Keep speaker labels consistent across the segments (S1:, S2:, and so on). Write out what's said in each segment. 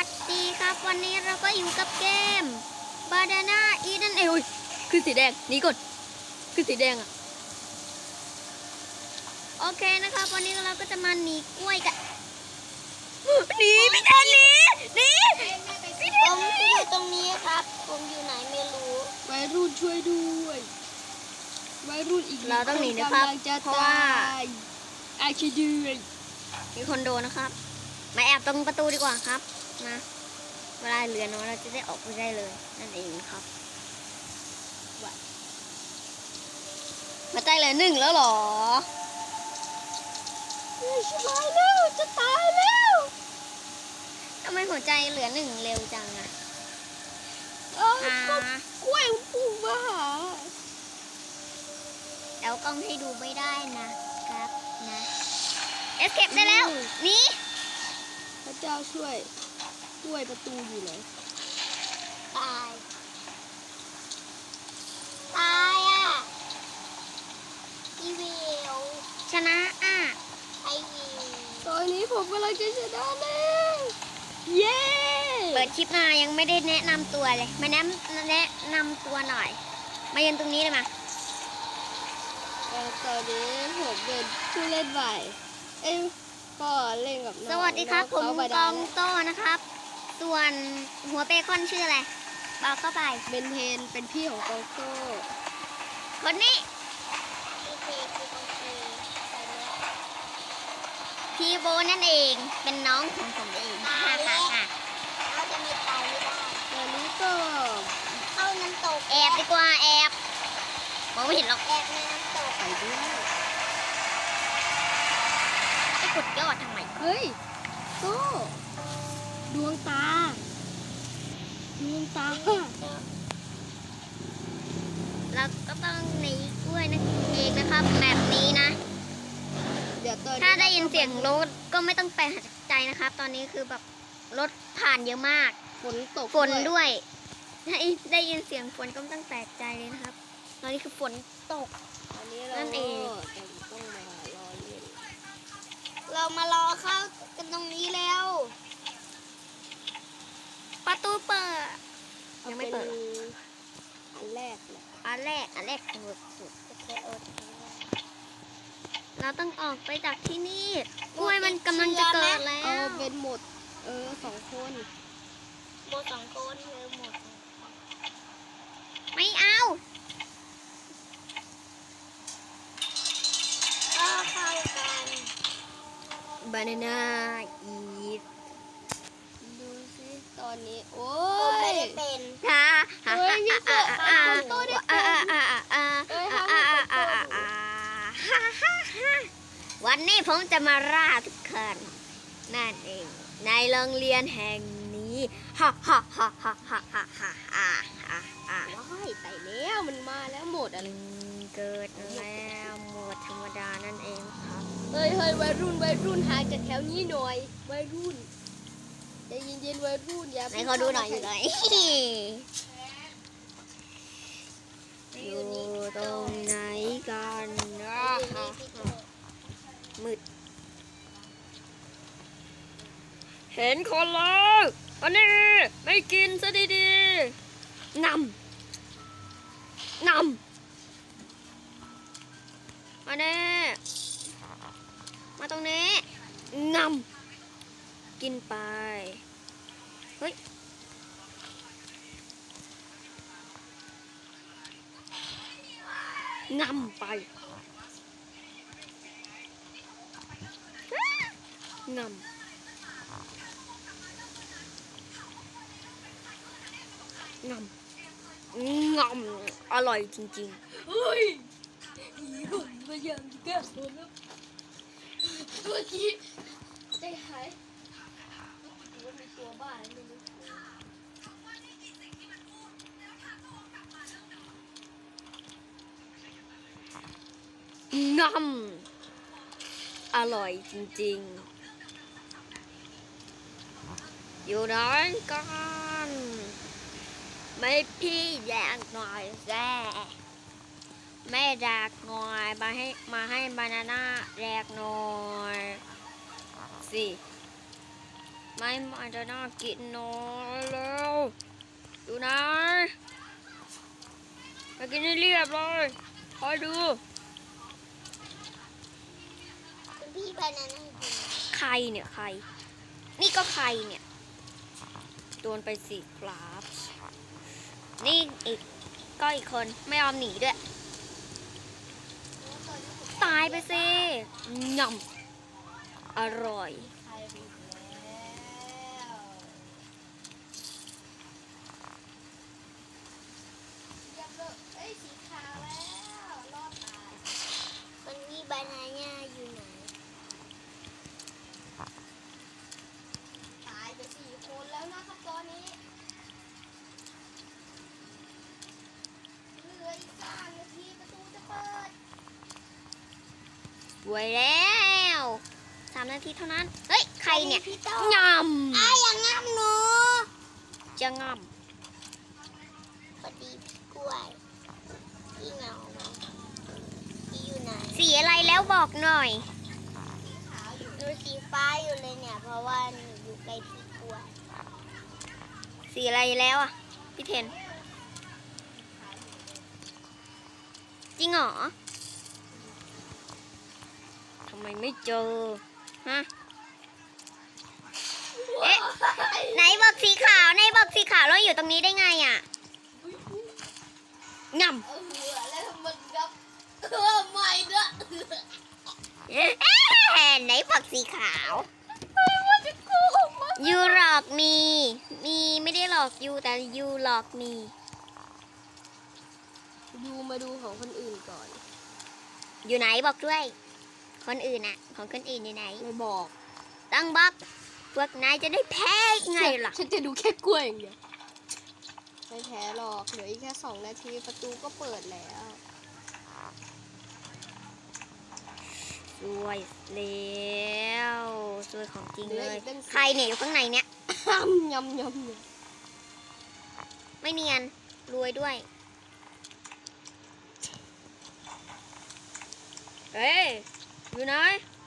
S1: วัสดีครับวันนี้เราก็อยู่กับเกม Banana Eat นั่นเองคือสีแดงนี่กดคือสีแดงอ่ะโอเคนะครับวันนี้เราก็จะมาหนีกล้วยกันหนีไม่ทันหนี
S2: ผมอยู่ตรงนี้ครับผมอยู่ไหนไม่รู้
S3: วัยรุ่นช่วยด้วยวัยรุ่นอีก
S1: เราต้องหนีนะครับเพราะว่า
S3: อาชีด้วย
S1: มีคนโดนนะครับมาแอบตรงประตูดีกว่าครับนะเวลาเหลือน้อยเราจะได้ออกไปได้เลยนั่นเองครับหัวใจเหลือ1แล้วหรอ
S3: สบายแล้วจะตายแล้ว
S1: ทำไมหัวใจเหลือ1เร็วจังอะ
S3: กล้วยพุ่งมาหา
S1: แล้วกล้องให้ดูไม่ได้นะครับนะเอสเคปได้แล้วนี่
S3: พระเจ้าช่วยกล้วยประตูอยู่ไหน
S2: ตายอ่ะอีวิว
S1: ชนะอ่ะ
S2: ไอวิว
S3: ตอนนี้ผมกำลังจะชนะแล้วเย้
S1: เปิดคลิปมายังไม่ได้แนะนำตัวเลยมาแนะนำตัวหน่อยมายืนตรงนี้เลยมา
S3: ตอนนี้ผมเป็นผู้เล่นใหม่ก็เล่นกับน้อง
S1: สวัสดีครับผมกองโต้นะครับส่วนหัวเบคอนชื่ออะไรบอกเข้าไป
S3: เบนเทนเป็นพี่ของกองโต้
S1: คนนี้พี่โบนั่นเองเป็นน้องของผมเอง
S2: เราจะไม่ตายไม่ได้
S3: ตอนนี้ก็
S2: เข้าน้ำตก
S1: แอบดีกว่าแอบมองไม่เห็นหรอก
S2: แอบในน้ำตก
S3: ไปด้วย
S1: จะกดยอดทำไม
S3: เฮ้ยโต้ดวงตา
S1: เราก็ต้องหนีกล้วยนั่นเองนะครับแบบนี้นะถ้าได้ยินเสียงรถก็ไม่ต้องแปลกใจนะครับ ตอนนี้คือแบบรถผ่านเยอะมาก
S3: ฝนตก
S1: ฝนด้วยได้ยินเสียงฝนก็ไม่ต้องแปลกใจเลยนะครับตอนนี้คือฝนตกนั่นเอง
S3: ต้องมารอเล่น
S2: เรามารอเข้ากันตรงนี้แล้ว
S1: ประตูเปิดยังไม่เปิด
S3: อันแรกเลย
S1: อันแรกสุดเราต้องออกไปจากที่นี่กล้วยมันกำลังจะเกิดแล้ว
S3: เป็นหมด2 คน
S2: หมด2 คนหมด
S1: ไม่เอา
S2: ก็เข้ากัน
S1: Banana Eat
S3: ดูสิตอนนี้โอ้ย
S2: ไม่ได้เป็น
S3: มีโต้ได้เป็น
S1: วันนี้ผมจะมาล่าทุกคนนั่นเองในโรงเรียนแห่งนี้ฮ่า
S3: ว้ายไปแล้วมันมาแล้วหมดอะไร
S1: เกิดแล้วหมดธรรมดานั่นเองครับ
S3: เฮ้ยวัยรุ่นหาจากแถวนี้หน่อยวัยรุ่นใจเย็นวัยรุ่นอย่า
S1: ให้เขาดูหน่อยอยู่ไหนอยู่ตรงไหนกันมืดเห็นคนแล้วอันนี้ไม่กินซะดีๆนำอันนี้มาตรงนี้นำกินไปเฮ้ยนำไปงำอร่อยจริงๆ
S3: เฮ้ยหุ่นมาอย่างแก้ตัวแล้วเมื่อกี้ใจหายว่ามีตัวบ้าไม่รู้
S1: อร่อยจริงๆอยู่ไหนกันไม่พี่แดกหน่อยแซ่แม่แดกหน่อยมาให้บานาน่าแดกหน่อยสิไม่จะน่ากินนอนแล้วดูนะมากินให้เรียบเลยคอยดู
S2: คุณพี่บานาน่ากิน
S1: ใครเนี่ยใคร นี่ก็ใครเนี่ยโดนไปสี่ครับนี่อีกก็อีกคนไม่ยอมหนีด้วยตายไปสิง่ำอร่อย
S3: ใครไปแล้วเรียบร้อยเอ้ยสีขาวแล้วรอดตาย
S2: คุณพี่บานาน่าอยู่ไหน
S3: ตายไป4 คนแล้วนะครับตอนนี้เหลืออีก3 นาทีประตูจะเปิด
S1: ไว้แล้ว3 นาทีเท่านั้น เฮ้ย ใครเนี่ย
S2: พี่โต้
S1: ง
S2: อ้ายอย่างงั้นหนู
S1: ำจะง
S2: พอดีพี่กล้วยพี่เหงาไหมพี่อยู่ไหน
S1: ำสีอะไรแล้วบอกหน่อย
S2: หนูสีฟ้าอยู่เลยเนี่ย เพราะว่าหนูอยู่ใกล้พี่กล้วย
S1: สีอะไรแล้วอ่ะ พี่เทน จริงเหรอทำไมไม่เจอ ฮะ เอ๊ะ ไหนบอกสีขาวไหนบอกสีขาวแล้วอยู่ตรงนี้ได้ไงอ่ะงำ
S3: เอาหัวแล้วมันกับไม่เด้อ
S1: ไหนฝักสีขาวยูหลอกมีไม่ได้หลอกยูแต่ยูหลอกมี
S3: ดูมาดูของคนอื่นก่อน
S1: อยู่ไหนบอกด้วย คนอื่นอะของคนอื่นอยู่ไหน
S3: ไม่บอก
S1: ต้องบอกพวกนายจะได้แพ้ไงล่ะ
S3: ฉันจะดูแค่กล้วยอย่างเดียวไม่แพ้หรอกเหลืออีกแค่2 นาทีประตูก็เปิดแล้ว
S1: สวยแล้วสวยของจริงเลย
S3: เหลืออีกตั้ง10
S1: ใครเนี่ยอยู่ข้างในเนี่ย
S3: ยำยำ
S1: ไม่เนียนรวยด้วยเฮ้ยอยู่ไหน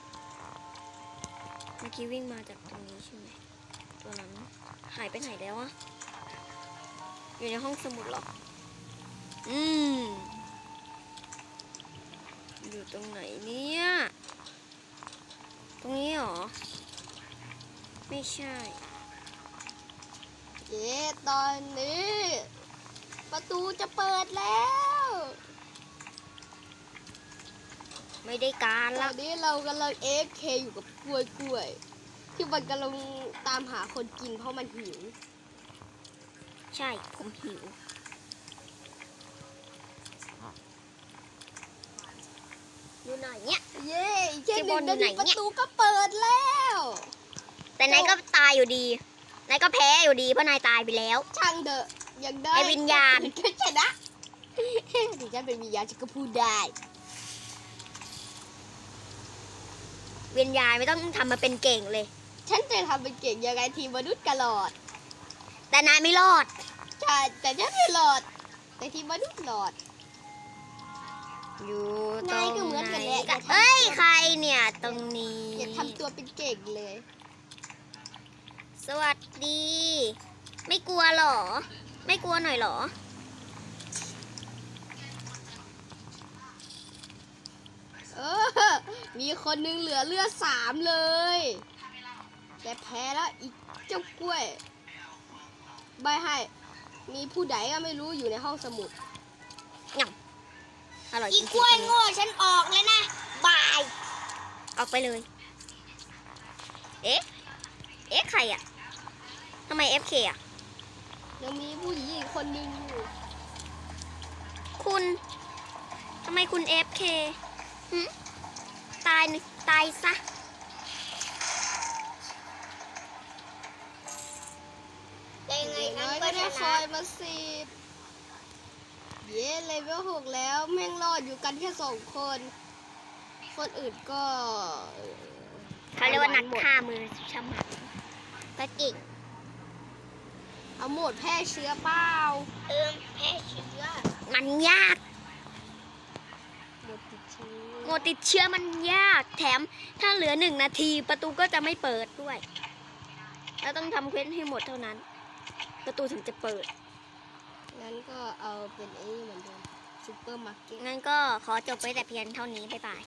S1: เมื่อกี้วิ่งมาจากตรงนี้ใช่ไหมตัวนั้นหายไปไหนแล้วอะอยู่ในห้องสมุดเหรออยู่ตรงไหนเนี่ยตรงนี้เหรอไม่ใช่
S3: เย้ตอนนี้ ประตูจะเปิดแล้ว
S1: ไม่ได้การ
S3: ตอ
S1: ละ
S3: นนี้เรากำลัง AFK อยู่กับกล้วยที่มันกำลังตามหาคนกินเพราะมันหิว
S1: ใช่ผมหิวอยู่ไหนเนี่ย
S3: เย้อีกแค่
S1: ที่
S3: 1
S1: บนอยู่
S3: นา
S1: ไหน
S3: ที
S1: เนี่ย
S3: ประตูก็เปิดแล้ว
S1: แต่นายก็ตายอยู่ดีนายก็แพ้อยู่ดีเพราะนายตายไปแล้ว
S3: ช่างเถอะยังได้
S1: ไอ้วิญญาณ
S3: ก็ชนะถึงฉันเป็นวิญญาณฉันก็พูดได้
S1: เวียนยายไม่ต้องทำมาเป็นเก่งเลย
S3: ฉันจะทำเป็นเก่งยังไงทีมมนุษย์กระหลอด
S1: แต่นายไม่รอด
S3: ใช่แต่ฉันไม่หลอด แต่ทีมมนุษย์หลอด
S1: อยู่ต
S3: นายก็
S1: รง
S3: เหมือน
S1: ไหน
S3: กันแหละ
S1: กันเอ้ยใครเนี่ยตรงนี้
S3: อย่าทำตัวเป็นเก่งเลย
S1: สวัสดี ไม่กลัวหรอ ไม่กลัวหน่อยหรอ
S3: เออ มีคนหนึงเหลือเลือด3เลย แต่แพ้แล้วอีกเจ้ากล้วยใบให้ มีผู้ใดก็ไม่รู้อยู่ในห้องสมุด
S1: อร่อยจ
S2: อี
S1: ริง
S2: กล้วยโง่ฉันออกแล้วนะ บาย
S1: ออกไปเลย เอ๊ะ ใครอะทำไม FK อะ
S3: ยังมีผู้หญิงอีกคนหนึงอยู่
S1: คุณทำไมคุณ FK หึตายซะ
S2: แต่ยังไง
S3: อย่าง
S2: อั
S3: น้
S2: น
S3: อย
S2: ก็
S3: ก็
S2: ช
S3: ได้ค
S2: นะ
S3: อยมา10เย้เลเวล6แล้วแม่งรอดอยู่กันแค่2 คน คนอื่นก็
S1: เขาเรียกว่านักฆ่ามือฉมังก็เก่ง
S3: เอาหมดแพร่เชื้อเปล่า
S2: แพ้เชื้อ
S1: มันยาก
S3: หมดติดเชื้อ
S1: โมติดเชื้อมันยาก แถมถ้าเหลือ1 นาทีประตูก็จะไม่เปิดด้วยแล้วต้องทำเควสให้หมดเท่านั้น ประตูถึงจะเปิด
S3: งั้นก็เอาเป็นไอ้นี่เหมือนเดิมซูเปอร์มาร์เก็ต
S1: งั้นก็ขอจบไปแต่เพียงเท่านี้ บ๊ายบาย